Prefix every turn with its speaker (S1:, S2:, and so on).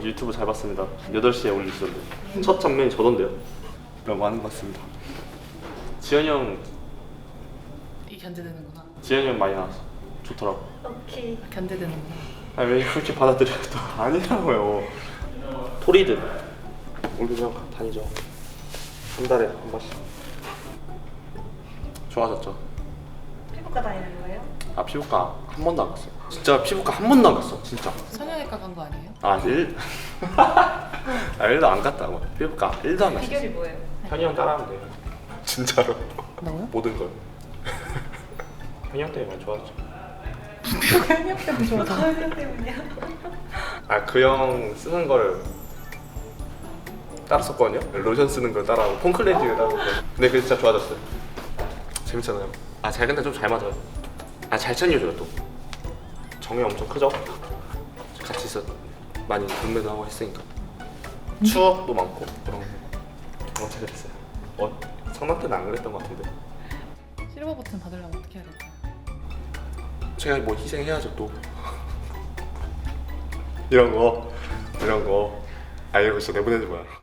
S1: 유튜브 잘 봤습니다. 8시에 올리시던데. 첫 장면이 저던데요. 너무 많은 것 같습니다. 지현이 형,
S2: 이 견제되는구나.
S1: 지현이 형 많이 나왔어. 좋더라고.
S3: 오케이.
S2: 견제되는구나.
S1: 아니 왜 그렇게 받아들여요 또. 아니라고요. 토리드 올리면 다니죠. 한 달에 한 번씩. 좋아졌죠.
S3: 피부과 다니는 거예요?
S1: 아 피부과 한 번도 안 갔어요. 진짜 피부과 한 번도 안 갔어. 진짜.
S2: 성형외과 간 거 아니에요?
S1: 아 1도 안 갔다고. 피부과 1도 안 갔어.
S3: 비결이 뭐예요?
S1: 현이 형 따라하면 돼요. 진짜로.
S2: 뭐요?
S1: 모든 걸. 현이 형 때문에 많이 좋아졌죠.
S2: 성형 때문에 좋아서.
S3: 가을 때문이야.
S1: 아 그 형 쓰는 걸 따랐었거든요. 로션 쓰는 걸 따라하고 폼클렌징을 따라하고. 근데 그게 진짜 좋아졌어요. 재밌잖아요. 아 잘 근데 좀 잘 맞아요. 아 잘 챙겨줘요 또. 정이 엄청 크죠? 같이 있어 많이 동매도 하고 했으니까. 추억도 많고 그런 거 엄청 그랬어요. 성남 때는 안 그랬던 것 같은데.
S2: 실버 버튼 받으려면 어떻게 해야 될까요?
S1: 제가 뭐 희생해야죠 또. 이런 거. 아 이런 거 진짜 내보내지 마요.